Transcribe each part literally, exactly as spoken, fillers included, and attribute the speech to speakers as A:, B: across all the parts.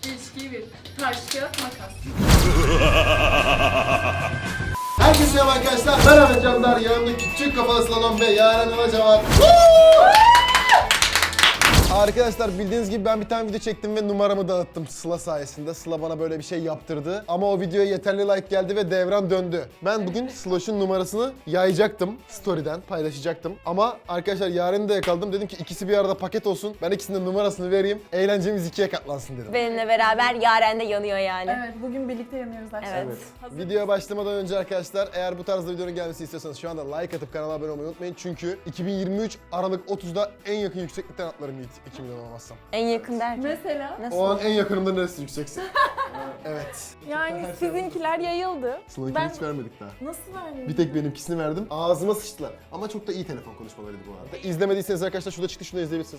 A: İlişkiyi bir. Taş, kağıt, makas.
B: Herkese merhaba arkadaşlar. Merhaba canlar. Yanımda küçük kafalı slalom ve Yaren Alaca var. Arkadaşlar bildiğiniz gibi ben bir tane video çektim ve numaramı dağıttım Sıla sayesinde. Sıla bana böyle bir şey yaptırdı. Ama o videoya yeterli like geldi ve devran döndü. Ben bugün Sloş'un numarasını yayacaktım. Story'den paylaşacaktım. Ama arkadaşlar Yaren'i de yakaladım. Dedim ki ikisi bir arada paket olsun. Ben ikisinin numarasını vereyim. Eğlencemiz ikiye katlansın dedim.
C: Benimle beraber Yaren de yanıyor yani.
A: Evet, bugün birlikte yanıyoruz arkadaşlar.
C: Evet.
A: Hazır.
B: Videoya başlamadan önce arkadaşlar eğer bu tarzda videonun gelmesi istiyorsanız şu anda like atıp kanala abone olmayı unutmayın. Çünkü iki bin yirmi üç Aralık otuzda en yakın yükseklikten atlarım Yiğit. iki milyon olmazsam.
C: En yakın derken.
A: Mesela?
C: Nasıl?
B: O an en yakınımda neresi yükseksin? Evet.
A: Yani sizinkiler yayıldı.
B: Sıla'nkini
A: Ben-
B: hiç vermedik daha.
A: Nasıl verdin?
B: Bir tek benimkisini verdim. Ağzıma sıçtılar. Ama çok da iyi telefon konuşmalarıydı bu arada. İzlemediyseniz arkadaşlar şurada çıktı, şunu da izleyebilirsiniz.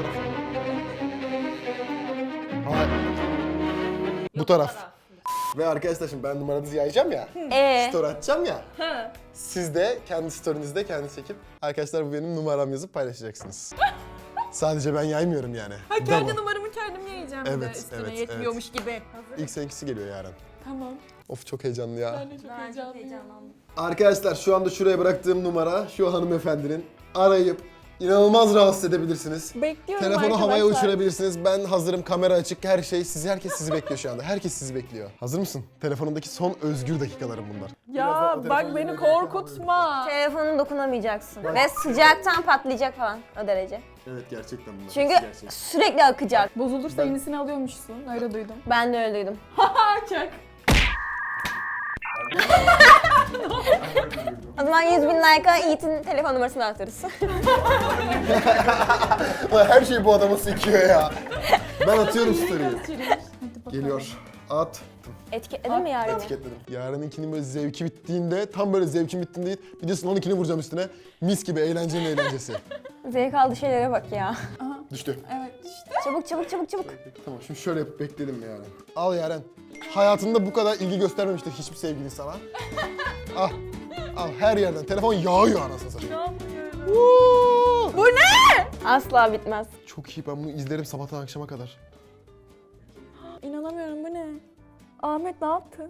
B: Hayır. Bu taraf. Ve arkadaşlar şimdi ben numaranızı yayacağım ya.
C: Ee,
B: Story atacağım ya. Siz de kendi story'nizde kendi çekip arkadaşlar bu benim numaram yazıp paylaşacaksınız. Sadece ben yaymıyorum yani.
A: Ha,
B: Bu da
A: kendi
B: bu.
A: numaramı kendim yiyeceğim bir de
B: Evet,
A: üstüne
B: evet,
A: yetmiyormuş gibi. Hazır.
B: İlk seninkisi geliyor yarın.
A: Tamam.
B: Of çok heyecanlı ya.
A: Ben de çok heyecanlıyım.
B: Arkadaşlar şu anda şuraya bıraktığım numara şu hanımefendinin. Arayıp inanılmaz rahatsız edebilirsiniz.
A: Bekliyorum
B: Telefonu
A: arkadaşlar.
B: havaya uçurabilirsiniz. Ben hazırım, kamera açık, her şey. Sizi, herkes sizi bekliyor şu anda. Herkes sizi bekliyor. Hazır mısın? Telefonundaki son özgür dakikalarım bunlar.
A: Ya bak beni korkutma.
C: telefonuna dokunamayacaksın. Ve sıcaktan patlayacak falan o derece.
B: Evet gerçekten bunlar.
C: Çünkü
B: Gerçek.
C: sürekli akacak.
A: Bozulursa yenisini alıyormuşsun. Öyle duydum.
C: Ben de öyle duydum.
A: Ha çak.
C: O zaman yüz bin like'a Yiğit'in telefon numarasını atarız.
B: Ulan her şey bu adama sekiyor ya. Ben atıyorum story'i. Geliyor. At.
C: Etiketledin mi Yaren'i?
B: Etiketledim. Yarınınkinin böyle zevki bittiğinde, tam böyle zevkim bittiğinde bir de Sıla'nınkini vuracağım üstüne. Mis gibi eğlencenin eğlencesi.
C: Zevk aldığı şeylere bak ya.
B: Düştü.
A: Evet işte.
C: Çabuk çabuk çabuk çabuk.
B: Tamam şimdi şöyle yapıp bekledim Yaren. Al Yaren. Hayatında bu kadar ilgi göstermemiştir hiçbir sevgilin sana. Al. Al her yerden. Telefon yağıyor anasını satayım. Woo!
C: Bu ne? Asla bitmez.
B: Çok iyi, ben bunu izlerim sabahtan akşama kadar.
A: İnanamıyorum, bu ne? Ahmet ne yaptın?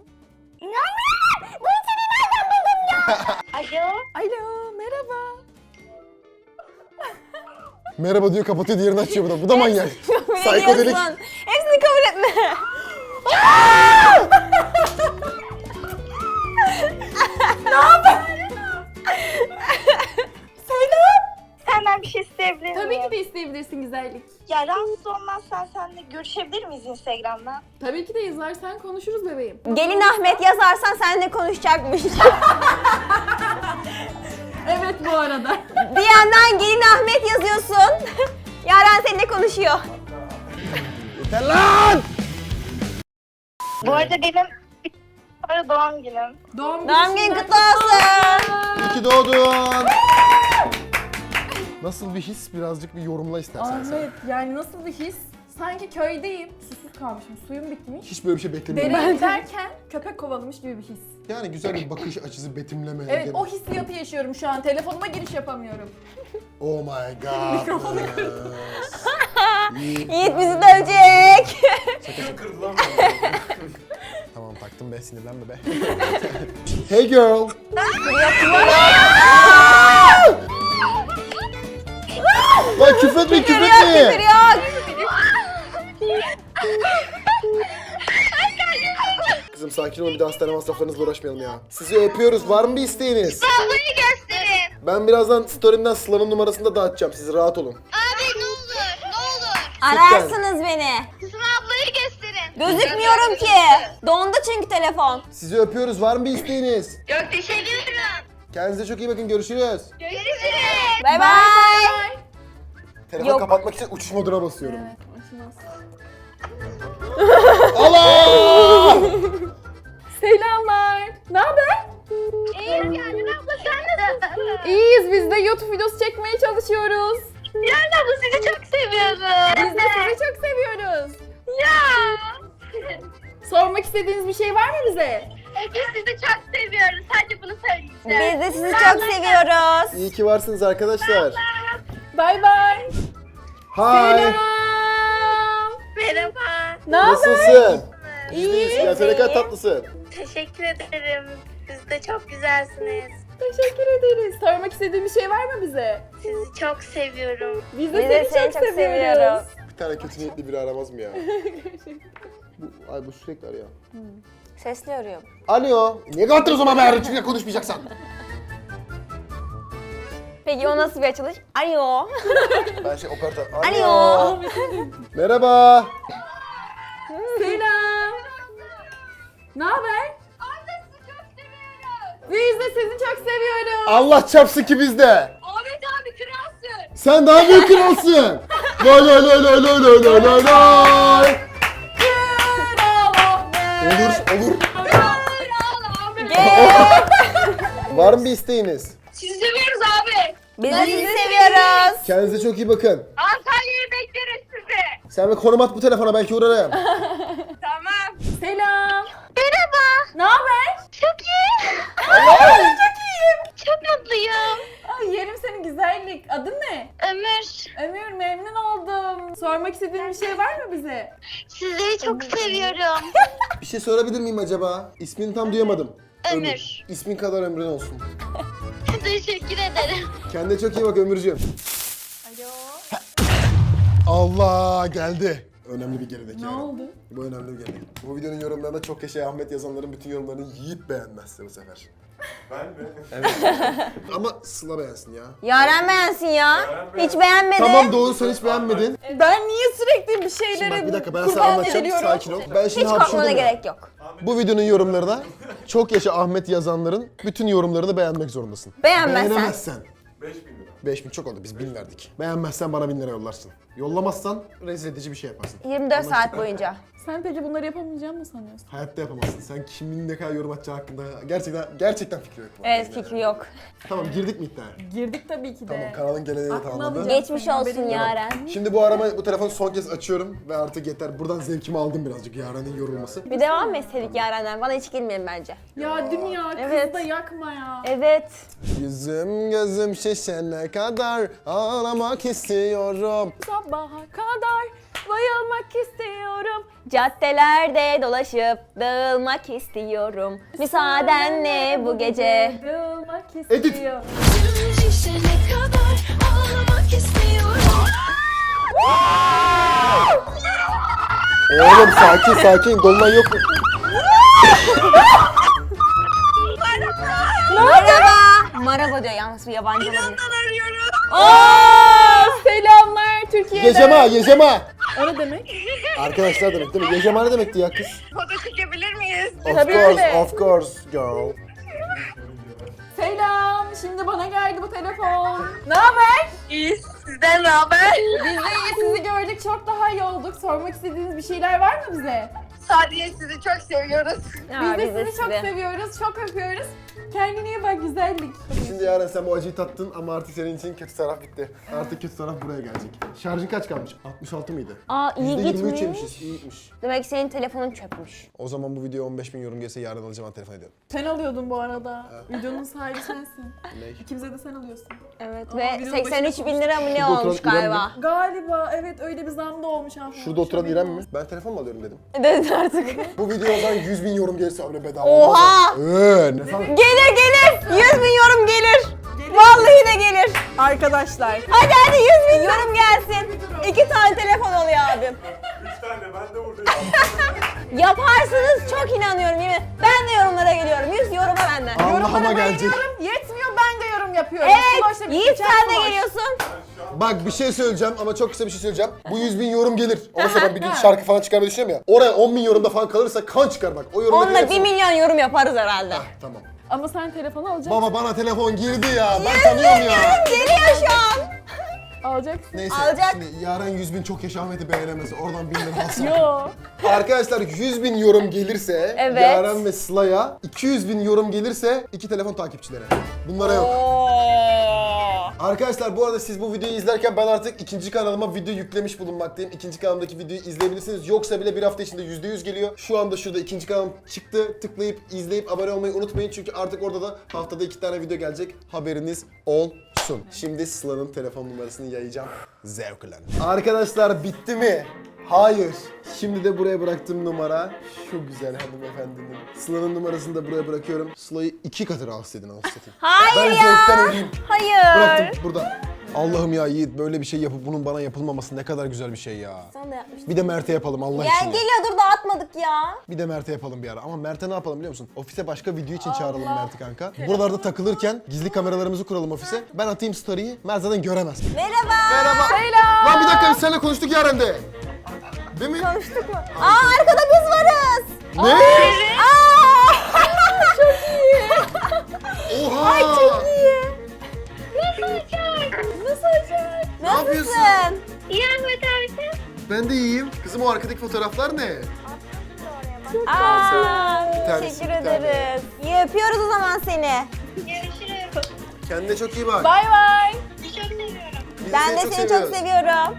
D: Alo.
A: Alo, merhaba.
B: Merhaba diyor, kapatıyor, diğerini açıyor bu da. Bu da manyak. Psikodelik.
C: Biliyorsun. Hepsini kabul etme.
D: Senden bir şey isteyebilir miyim?
A: Tabii ki de isteyebilirsin güzellik.
D: Ya rahatsız olmazsan seninle görüşebilir miyiz Instagram'dan?
A: Tabii ki de yazarsan konuşuruz bebeğim.
C: Gelin Ahmet yazarsan seninle konuşacakmış.
A: Evet bu arada.
C: Bir yandan gelin Ahmet yazıyorsun. Yaren seninle konuşuyor.
B: Yeter lan!
D: Bu arada benim sonra doğum günüm.
A: Doğum,
C: Doğum günün kutlu olsun.
B: İyi ki doğdun. Nasıl bir his? Birazcık bir yorumla istersen sen.
A: Ahmet yani nasıl bir his? Sanki köydeyim. Susuz kalmışım. Suyum bitmiş.
B: Hiç böyle bir şey beklemiyordum.
A: Dereye giderken köpek kovalamış gibi bir his.
B: Yani güzel bir bakış açısı, betimleme.
A: Evet
B: gene-
A: o hissiyatı yaşıyorum şu an. Telefonuma giriş yapamıyorum.
B: Oh my god.
A: Mikrofonu
B: yes. İyi.
C: Yiğit bizi dövecek.
B: Tamam taktım be, sinirlenme be. Hey girl. Lan küfretme,
C: Küfür yok,
B: küfretme.
C: küfür yok.
B: Kızım sakin olun, bir de hastane masraflarınızla uğraşmayalım ya. Sizi öpüyoruz, var mı bir isteğiniz?
D: Ablayı gösterin.
B: Ben birazdan story'imden Sıla'nın numarasını da dağıtacağım, siz rahat olun.
D: Abi ne olur, ne olur.
C: Ararsınız beni.
D: Sıla ablayı gösterin.
C: Gözükmüyorum ki. Dondu çünkü telefon.
B: Sizi öpüyoruz, var mı bir isteğiniz?
D: Çok teşekkür ederim.
B: Kendinize çok iyi bakın, görüşürüz.
D: Görüşürüz.
C: Bay bay.
B: Telefonu
C: Yok.
B: kapatmak için uçuş moduna basıyorum.
A: Evet, açmaz.
B: Allah!
A: Selamlar. Ne haber?
D: İyiyim Yaren abla, sen nasılsın?
A: İyiyiz, biz de YouTube videosu çekmeye çalışıyoruz.
D: Yaren abla sizi çok seviyorum.
A: Biz de sizi çok seviyoruz.
D: Ya.
A: Sormak istediğiniz bir şey var mı bize?
D: Biz sizi çok seviyoruz. Sadece bunu söyleyeceğim.
C: Biz de sizi çok seviyoruz.
B: İyi ki varsınız arkadaşlar.
A: Bay bay.
B: Hi.
A: Selam.
D: Merhaba.
A: Ne haber?
B: Nasılsın?
A: İyi.
B: Ya sen ne kadar tatlısın.
D: Teşekkür ederim. Siz de çok güzelsiniz.
A: Teşekkür ederiz. Sormak istediğin bir şey var mı bize?
D: Sizi çok seviyorum.
A: Biz de
C: Biz de
A: seni, çok, seviyoruz.
B: Bir tane kötü niyetli biri aramaz mı ya? bu, ay bu sürekli arıyor.
C: Sesli arıyor.
B: Alo. Niye kapattın o zaman be? Çünkü konuşmayacaksan.
C: Peki o nasıl bir açılış? Alo.
B: Ben şey operatör.
C: Alo.
B: Merhaba.
A: Selam. Ne haber? Biz de seni çok seviyoruz.
B: Allah çarpsın ki bizde.
D: Ahmet abi kralsın.
B: Sen daha büyük kralsın. Lay lay lay lay lay lay lay lay lay. Olur, olur. Var mı bir isteğiniz?
D: Sizi seviyoruz abi.
C: Biz de sizi seviyoruz.
B: Kendinize çok iyi bakın.
D: Antalya'yı bekleriz sizi.
B: Sen bir konum at bu telefona, belki uğrarım.
D: Tamam.
A: Selam.
D: Merhaba.
A: Ne haber?
D: Çok iyi.
A: Çok iyiyim.
D: Çok mutluyum.
A: Ay yerim senin güzellik. Adın ne?
D: Ömür.
A: Ömür, memnun oldum. Sormak istediğin bir şey var mı bize?
D: Sizleri çok seviyorum.
B: Bir şey sorabilir miyim acaba? İsmini tam duyamadım.
D: Ömür.
B: İsmin kadar ömrün olsun.
D: Teşekkür ederim.
B: Kendine çok iyi bak Ömürcüğüm.
A: Alo.
B: Allah geldi. Önemli bir gerilik
A: Ne
B: yani.
A: oldu?
B: Bu önemli bir gerilik. Bu videonun yorumlarında çok yaşa Ahmet yazanların bütün yorumlarını yiyip beğenmezse bu sefer.
E: Ben mi?
B: Evet. Ama Sıla beğensin ya.
C: Yaren beğensin ya. Hiç beğenmedi.
B: Tamam doğru, sen hiç beğenmedin.
A: Ben niye sürekli bir
B: Şimdi
A: şeylere
B: bak bir dakika ben sana
A: kurban
B: anlatacağım.
A: ediliyorum?
B: Sakin ol. Ben
C: Hiç
B: şimdi
C: korkmana
B: hapşurdum ya.
C: gerek yok.
B: Bu videonun yorumlarına çok yaşa Ahmet yazanların bütün yorumlarını beğenmek zorundasın.
C: Beğenmezsen.
B: Beğenemezsen.
E: beş bin lira.
B: beş bin çok oldu, biz bin verdik. Beğenmezsen bana bin lira yollarsın. Yollamazsan rezil edici bir şey yaparsın.
C: yirmi dört saat boyunca.
A: Sen peki bunları yapamayacağımı mı sanıyorsun?
B: Hayatta yapamazsın. Sen kimin ne kadar yorum atacağı hakkında gerçekten gerçekten fikri yok.
C: Evet, fikri yok.
B: Tamam, girdik mi iddiaya?
A: Girdik tabii ki de.
B: Tamam, kanalın geleneğini
A: Aklına
B: tamamladı.
A: alacağım.
C: Geçmiş
A: Senin
C: olsun
A: haberin yok.
C: Yaren.
B: Şimdi bu arama, bu telefonu son kez açıyorum ve artık yeter. Buradan zevkimi aldım birazcık Yaren'in yorulması.
C: Bir devam mı etseydik Yaren'den? Bana hiç girmeyin bence.
A: Ya değil mi ya? Kızı
C: Evet.
A: da yakma ya.
C: Evet.
B: Yüzüm gözüm şişene kadar ağlamak istiyorum.
A: Sabaha kadar bayılmak istiyorum.
C: Caddelerde dolaşıp dağılmak istiyorum. Müsaadenle bu gece.
A: Bayılmak
B: Edit.
A: istiyorum.
F: Şişene kadar ağlamak istiyorum.
B: Oğlum sakin sakin, dolunay yok mu?
C: Merhaba. Merhaba diyor, yalnız bir yabancı olabilir.
A: Aa, selamlar Türkiye'den.
B: Yecema, yecema.
A: O ne demek?
B: Arkadaşlar demek değil mi? Yecema ne demekti ya kız?
D: Foto çekebilir miyiz?
B: Of
A: Tabii
B: course,
A: öyle.
B: of course girl.
A: Selam. Şimdi bana geldi bu telefon. Ne haber?
D: İyi. Sizden ne haber?
A: Biz de iyi. Sizi gördük. Çok daha iyi olduk. Sormak istediğiniz bir şeyler var mı bize?
D: Sadece sizi çok seviyoruz.
C: Ya,
A: Biz de sizi çok seviyoruz. Çok öpüyoruz. Kendine iyi bak, güzellik.
B: Şimdi Yaren sen bu acıyı tattın ama artık senin için kötü taraf bitti. Artık kötü taraf buraya gelecek. Şarjın kaç kalmış? altmış altı mıydı?
C: Aa, iyi
B: yüzde yirmi üç
C: gitmiş.
B: yemişiz, iyi gitmiş.
C: Demek ki senin telefonun çökmüş.
B: O zaman bu video on beş bin yorum gelse yarın alacağım, telefon ediyorum.
A: Sen alıyordun bu arada. Videonun sahibi sensin.
B: Ne?
A: İkimize de sen alıyorsun.
C: Evet
A: Aa,
C: ve
A: videonun
C: seksen üç
A: başında
C: bin lira mı ne
B: Şurada
C: olmuş
B: oturan İrem
C: galiba.
A: Galiba evet, öyle bir zam da olmuş aslında.
B: Şurada oturan İrem mi? Ben telefon mu alıyorum dedim.
C: Dedin artık.
B: Bu video o zaman yüz bin yorum gelirse öyle bedava
C: Oha!
B: olmaz mı? Eee ne falan.
C: Gelir gelir. yüz bin yorum gelir. Vallahi de gelir.
A: Arkadaşlar.
C: Hadi hadi yüz bin yorum gelsin. İki tane telefon oluyor abim.
E: Üç tane ben de buradayım.
C: Yaparsınız, çok inanıyorum yemin. Ben de yorumlara geliyorum. yüz yoruma benden.
B: Allah'ıma gelecek.
A: Bayılıyorum. Yetmiyor, ben de yorum yapıyorum.
C: Evet.
A: Sloş'la bir
C: Yiğit
A: geçen
C: sen de
A: sloş.
C: geliyorsun.
B: Bak bir şey söyleyeceğim ama çok kısa bir şey söyleyeceğim. Bu yüz bin yorum gelir. Ondan sonra ben bir gün şarkı falan çıkarmayı düşünüyorum ya. Oraya on bin yorumda falan kalırsa kan çıkar bak. O yorumda
C: Onunla bir milyon yorum yaparız herhalde.
B: Tamam.
A: Ama sen telefonu alacaksın.
B: Baba bana telefon girdi ya. Ben tanıyorum ya.
C: Geliyor şu an.
A: Alacaksın.
B: Neyse
C: Alacak.
B: şimdi Yaren yüz bin çok yaşa Ahmet'i beğenemez. Oradan bin lira alsam.
A: Yo.
B: Arkadaşlar yüz bin yorum gelirse
C: Evet.
B: Yaren ve Sıla'ya, iki yüz bin yorum gelirse iki telefon takipçilere. Bunlara yok.
C: Oo.
B: Arkadaşlar bu arada siz bu videoyu izlerken ben artık ikinci kanalıma video yüklemiş bulunmaktayım. İkinci kanalımdaki videoyu izleyebilirsiniz. Yoksa bile bir hafta içinde yüzde yüz geliyor. Şu anda şurada ikinci kanalım çıktı. Tıklayıp izleyip abone olmayı unutmayın. Çünkü artık orada da haftada iki tane video gelecek. Haberiniz olsun. Şimdi Sıla'nın telefon numarasını yayacağım. Zevklen. Arkadaşlar bitti mi? Hayır. Şimdi de buraya bıraktığım numara şu güzel hanımefendinin. Sıla'nın numarasını da buraya bırakıyorum. Sıla'yı iki katı rahatsız edin anasını satayım.
C: Hayır
B: Ben
C: ya.
B: zevkten öleyim.
C: Hayır.
B: Bıraktım burada. Allah'ım ya Yiğit böyle bir şey yapıp bunun bana yapılmaması ne kadar güzel bir şey ya.
C: Sen de yapmıştın.
B: Bir de Mert'e yapalım Allah
C: Gel
B: için. ya.
C: geliyor dur dağıtmadık ya.
B: Bir de Mert'e yapalım bir ara. Ama Mert'e ne yapalım biliyor musun? Ofise başka video için çağıralım Mert'i kanka. Buralarda takılırken gizli kameralarımızı kuralım ofise. Ben atayım story'yi. Mert zaten göremez.
C: Merhaba.
B: Merhaba.
A: Selam.
B: Lan bir dakika biz seninle konuştuk ya Rem'de. Değil mi?
C: Konuştuk mu? Aa arkada biz varız.
B: Ne?
C: Aa. Çok iyi.
B: Oha!
C: Ay çok iyi. Nasıl olacak? Nasıl olacak?
B: Ne yapıyorsun?
C: Nasılsın?
D: İyi Ahmet abi.
B: Ben de iyiyim. Kızım o arkadaki fotoğraflar ne?
C: Aa,
B: Bir tanesi,
C: teşekkür
B: bir tane.
C: ederiz. İyi öpüyoruz o zaman seni.
D: Görüşürüz.
B: Kendine çok iyi bak.
A: Bay bay.
D: Sizi çok seviyorum.
B: Biz
C: Ben de seni çok
B: seviyoruz.
C: seviyorum.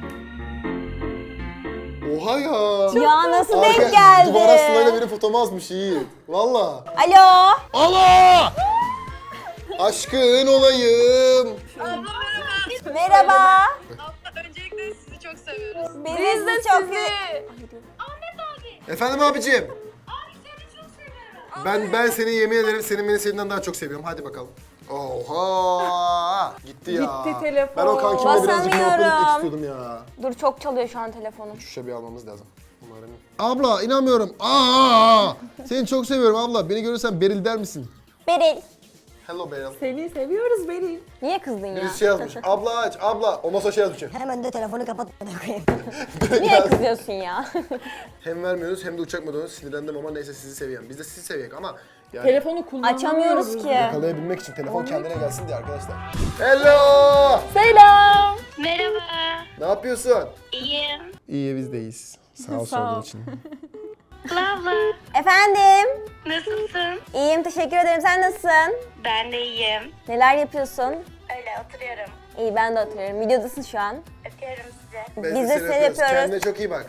B: Oha ya.
C: Ya nasıl
B: Arka-
C: denk geldi?
B: Duvara Sıla'yla benim fotomu asmış iyi. Valla.
C: Alo.
B: Allah! Aşkın olayım.
C: Merhaba.
D: Öncelikle sizi çok seviyoruz.
C: Biz,
A: Biz
C: de
A: de
C: sizi çok
A: sizi.
B: Efendim abicim. Abi seni çok seviyorum. Ben ben seni yemin ederim senin beni seninden daha çok seviyorum. Hadi bakalım. Oha! Gitti ya.
A: Gitti telefon.
B: Ben o kankimle birazcık muhabbet etmek
C: Basamıyorum.
B: istiyordum ya.
C: Dur çok çalıyor şu an telefonum.
B: Şu şişe bir almamız lazım. Umarım. Abla inanmıyorum. Aa, aa. Seni çok seviyorum abla. Beni görürsen Beril der misin?
C: Beril.
B: Hello Beril.
A: Seni seviyoruz Beril.
C: Niye kızdın ya?
B: Birisi şey yazmış. Abla aç, abla. Ondan sonra şey yazmış.
C: Hemen de telefonu kapat. Niye kızıyorsun ya?
B: Hem vermiyoruz hem de uçak modunu sinirlendim ama neyse sizi seviyorum. Biz de sizi seviyoruz ama yani
A: Telefonu kullanamıyoruz.
C: Açamıyoruz ki.
B: yakalayabilmek için telefon kendine gelsin diye arkadaşlar. Hello!
A: Selam.
D: Merhaba.
B: Ne yapıyorsun?
D: İyiyim.
B: İyi biz de iyiyiz. Sağ ol
A: Sağ ol.
B: sorduğun için.
D: Abla.
C: Efendim?
D: Nasılsın?
C: İyiyim teşekkür ederim. Sen nasılsın?
D: Ben de iyiyim.
C: Neler yapıyorsun?
D: Öyle oturuyorum.
C: İyi ben de oturuyorum. Videodasın şu an.
D: Öpüyorum sizi.
B: Ben
C: Biz
B: seni
C: de seni
B: öpüyoruz.
C: yapıyoruz.
B: Kendine çok iyi bak.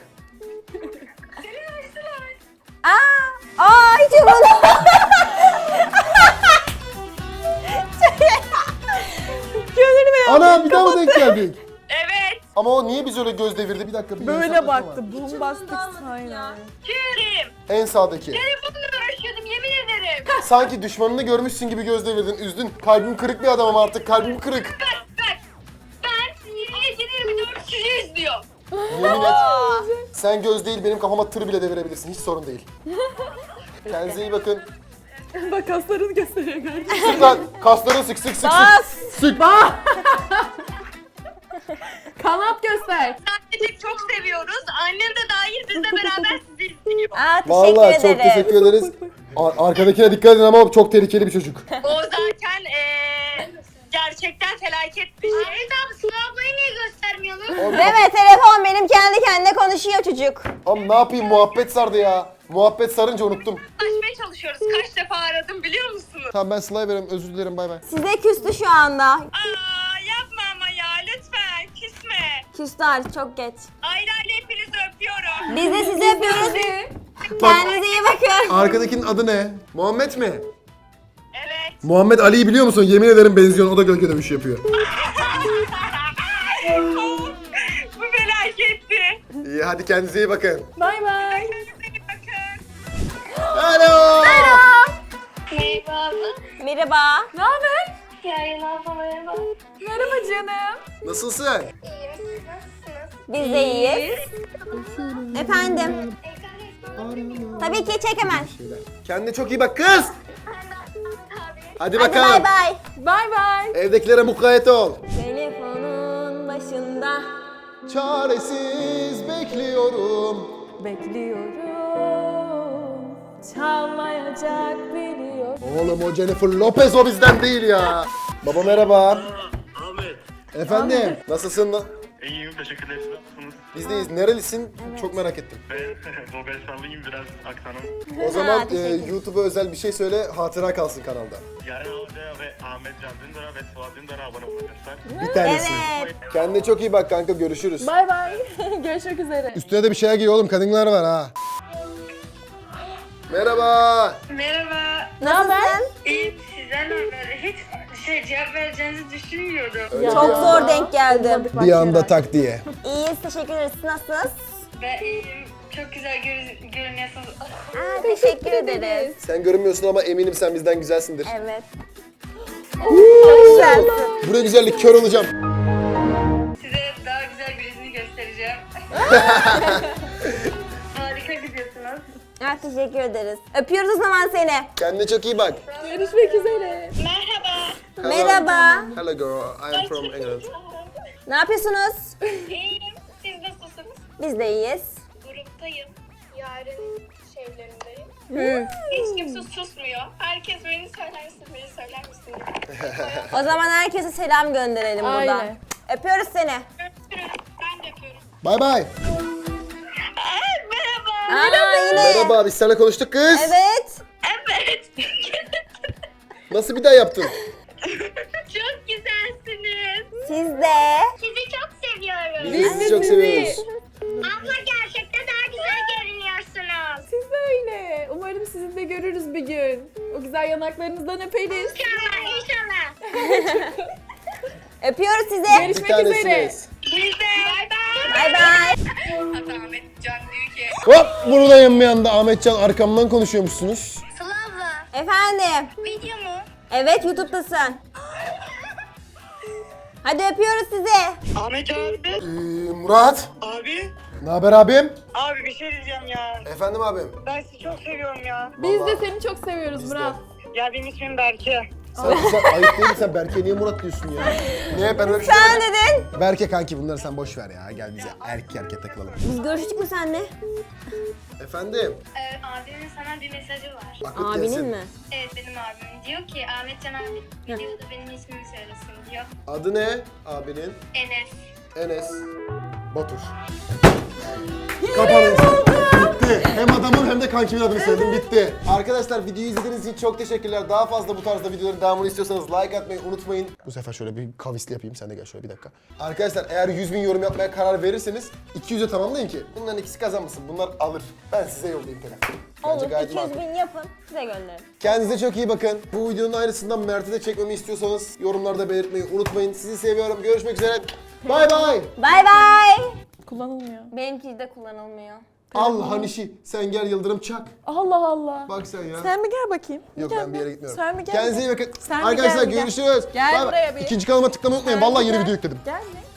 C: Aa! Aa hiç yapmadım. Gönlünü
B: Ana bir daha mı denk geldik?
D: Evet.
B: Ama o niye biz öyle göz devirdi? Bir dakika bir
A: Böyle
B: hesaplaşma var.
A: baktı. Bombastik aynen.
D: Kim?
B: En sağdaki.
D: Telefonla uğraşıyordum yemin ederim.
B: Sanki düşmanını görmüşsün gibi göz devirdin. Üzdün. Kalbim kırık bir adamım artık. Kalbim kırık.
D: Bak bak. Ben yedi yirmi dört sizi izliyorum.
B: Yemin et. Sen göz değil benim kafama tır bile devirebilirsin. Hiç sorun değil. Kendinize iyi bakın.
A: Bak kaslarını gösteriyor gördün.
B: Sık lan. Kasları sık sık sık
C: Bas.
B: sık. Sık.
A: Kanat göster.
D: Sadece çok seviyoruz. Annem de dahil bizle beraber sizi izliyor.
C: Aa teşekkür
B: Vallahi
C: ederim.
B: çok teşekkür ederiz. Ar- arkadakine dikkat edin ama o çok tehlikeli bir çocuk.
D: O zaten eee gerçekten felaket bir şey. Evet abi Sıla ablayı niye göstermiyorsun?
B: Oğlum,
C: Deme telefon benim kendi kendine konuşuyor çocuk.
B: oğlum ne yapayım muhabbet sardı ya. Muhabbet sarınca unuttum.
D: Açmaya çalışıyoruz. Kaç defa aradım biliyor musunuz?
B: Tamam ben Sıla'ya veriyorum özür dilerim bay bay.
C: Size küstü şu anda.
D: Aa yapma ama ya lütfen küsme.
C: Küstü artık çok geç.
D: Ayrı ayrı hepinizi öpüyorum.
C: Biz de sizi öpüyoruz. Kendinize iyi bakın.
B: Arkadakinin adı ne? Muhammed mi?
D: Evet.
B: Muhammed Ali'yi biliyor musun? Yemin ederim benziyor. O da gölge dövüşü yapıyor.
D: Bu felaketti.
B: İyi hadi kendinize iyi bakın.
A: Bay bay.
D: Kendinize iyi bakın.
B: Hello.
D: Merhaba.
C: Merhaba.
A: Ne haber?
D: Yayın abla merhaba.
A: Merhaba canım.
B: Nasılsın?
D: İyiyim siz nasılsınız?
C: Biz de iyiyiz. Efendim. Tabii ki çek hemen.
B: Kendine çok iyi bak kız. Hadi
C: Hadi
B: bakalım.
C: bay bay.
A: Bay bay.
B: Evdekilere mukayyet ol.
C: Telefonun başında.
B: Çaresiz bekliyorum.
A: Bekliyorum. Çalmayacak biliyorum.
B: Oğlum o Jennifer Lopez o bizden değil ya. Baba merhaba.
E: Ahmet.
B: Efendim. Nasılsın?
E: İyiyim teşekkürler. Siz nasılsınız?
B: Bizdeyiz. Nerelisin? Çok merak ettim.
E: Ben Bulgaristanlıyım biraz aksanım.
B: O zaman e,
C: teşekkür.
B: YouTube'a özel bir şey söyle. Hatıra kalsın kanalda.
E: Yarın Hoca ve Ahmet Can Dündar'a ve Suat Dündar'a abone olabilirler.
B: Bir tanesi.
C: Evet.
B: Kendine çok iyi bak kanka. Görüşürüz.
A: Bay bay. Görüşmek üzere.
B: Üstüne de bir şeyler giy oğlum. Kadınlar var ha. Merhaba.
D: Merhaba.
C: Nasılsın?
D: İyiyim sizden haber. Hiç şey cevap vereceğinizi düşünmüyordum.
B: Öyle
C: Çok
B: bir
C: zor
B: anda-
C: denk geldim.
B: Bir anda tak diye.
C: İyiyiz teşekkür ederiz. Siz nasılsınız?
D: Ve iyiyim. Çok güzel gör- görünüyorsunuz.
C: Aa, teşekkür ederiz.
B: Sen görünmüyorsun ama eminim sen bizden güzelsindir.
C: Evet. Çok güzelsin.
B: Buraya güzellik kör olacağım.
D: Size daha güzel birisini göstereceğim. Harika gidiyorsunuz.
C: Ha, teşekkür ederiz. Öpüyoruz o zaman seni.
B: Kendine çok iyi bak.
A: Görüşmek üzere.
D: Merhaba.
B: Hello.
C: Merhaba.
B: Hello girl, I am from England.
C: Ne yapıyorsunuz?
D: İyiyim. Siz nasılsınız?
C: Biz de iyiyiz.
D: Gruptayım. Yarın şeylerindeyim.
C: Hı.
D: Hiç kimse susmuyor. Herkes beni söyler misin, beni söyler misin?
C: O zaman herkese selam gönderelim buradan.
A: Aynen.
C: Öpüyoruz seni.
D: Öpüyorum. Ben de yapıyorum.
B: Bye bye.
D: Merhaba.
C: Aa, yine.
B: Merhaba, biz seninle konuştuk kız.
C: Evet.
D: Evet.
B: Nasıl bir daha yaptın?
D: Çok güzelsiniz.
C: Siz de.
D: Sizi çok seviyorum.
B: Biz de sizi çok seviyoruz.
D: Abla gerçekten daha güzel görünüyorsunuz.
A: Siz de öyle. Umarım sizi de görürüz bir gün. O güzel yanaklarınızdan öperiz.
D: İnşallah, inşallah.
C: Öpüyoruz sizi.
B: Bir
A: Görüşmek üzere.
B: tanesiniz.
D: Biz de. Bay bay.
C: Bay bay.
D: Hatta Ahmet Can diyor ki.
B: Hop, buradayım bir anda. Ahmetcan arkamdan konuşuyormuşsunuz.
D: Sıla abla.
C: Efendim.
D: Video mu?
C: Evet, YouTube'dasın. Hadi öpüyoruz sizi.
G: Ahmet abi.
B: Ee, Murat.
G: Abi.
B: Ne haber abim?
G: Abi bir şey diyeceğim ya.
B: Efendim abim.
G: Ben sizi çok seviyorum ya.
A: Biz
B: Vallahi.
A: de seni çok seviyoruz
B: Biz de.
A: Murat.
G: Ya benim ismim Berke.
B: Sen, sen ayıp değil mi? Sen Berke niye Murat diyorsun ya? Ne ben öyle bir şey
C: Sen
B: demedim.
C: dedin.
B: Berke kanki bunları sen boş ver ya. Gel bize erkek erkek takılalım.
C: Biz görüştük mü seninle?
B: Efendim?
D: Ee, abimin sana bir mesajı var.
B: Akıt
C: Abinin
B: gelsin.
C: mi?
D: Evet benim abim. Diyor ki Ahmet Can abi videoda benim ismimi söylesin diyor.
B: Adı ne abinin?
D: Enes.
B: Enes Batur. Kapanın. Bitti. Hem adamın hem de kankimin adını söyledim. Bitti. Arkadaşlar videoyu izlediğiniz için çok teşekkürler. Daha fazla bu tarzda videoların devamını istiyorsanız like atmayı unutmayın. Bu sefer şöyle bir kavisli yapayım. Sen de gel şöyle bir dakika. Arkadaşlar eğer yüz bin yorum yapmaya karar verirseniz iki yüze tamamlayın ki bunların ikisi kazanmasın. Bunlar alır. Ben size yollayayım telefonu. Bence
C: Olur,
B: gayet
C: iki yüz
B: makul.
C: bin yapın, size gönderin.
B: Kendinize çok iyi bakın. Bu videonun aynısından Mert'e de çekmemi istiyorsanız yorumlarda belirtmeyi unutmayın. Sizi seviyorum. Görüşmek üzere. Bay bay.
C: Bay bay.
A: Kullanılmıyor.
C: Benimki de kullanılmıyor.
B: Allah'ın işi. Sen gel Yıldırım çak.
A: Allah Allah.
B: Bak sen ya.
A: Sen bir gel bakayım.
B: Yok
A: Gel
B: ben bir yere gitmiyorum.
A: Sen bir gel.
B: Kendinize iyi bakın.
A: Sen bir
B: Arkadaşlar
A: gel, bir gel.
B: görüşürüz.
A: Gel
B: Bay bay.
A: buraya bir.
B: İkinci kanalıma tıklamayı unutmayın.
A: Sen
B: Vallahi
A: bir
B: yeni
A: gel.
B: video yükledim.
A: Gel mi?